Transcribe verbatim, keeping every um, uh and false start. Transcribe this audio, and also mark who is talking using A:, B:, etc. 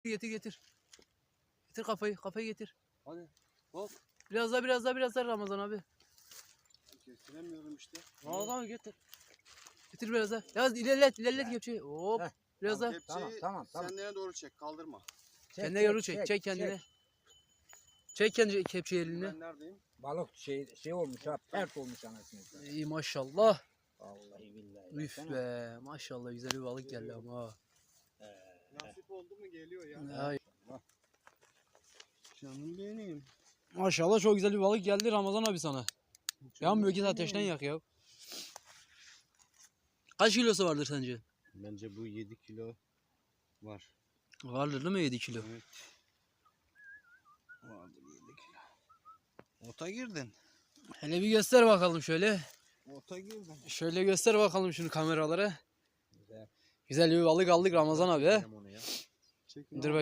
A: Getir getir. Getir kafayı, kafayı getir.
B: Hadi. Hop.
A: Biraz daha biraz daha biraz daha Ramazan abi.
B: Kestiremiyorum işte.
A: Ramazan abi getir. Getir biraz daha. Yaz ilerlet ilerlet kepçeyi. Hop.
C: Heh.
A: Biraz
B: Tamam,
A: daha.
B: kepçeyi
C: Tamam, tamam, tamam.
B: Kendine doğru çek. Kaldırma.
C: Çek,
A: Kendine yoru çek. Çek kendine. Çek kendi kepçeyi eline.
B: Ben neredeyim?
C: Balık şey şey olmuş ha, pert olmuş anasını.
A: İyi maşallah.
C: Vallahi billahi.
A: Üf be maşallah güzel bir balık geldi ama. ha.
B: Nasip oldu mu geliyor ya.
A: Ay.
B: Canım benim.
A: Maşallah çok güzel bir balık geldi Ramazan abi sana. Yanmıyor git ateşten yak ya. Kaç kilosu vardır sence?
B: Bence bu yedi kilo var.
A: Vardır değil mi yedi kilo?
B: Evet. Vardır yedi kilo. Ota girdin.
A: Hele bir göster bakalım şöyle.
B: Ota girdin.
A: Şöyle göster bakalım şunu kameralara.
C: Güzel.
A: Güzel bir balık aldık Ramazan abi. he?
B: Çekin
A: Dur
B: abi.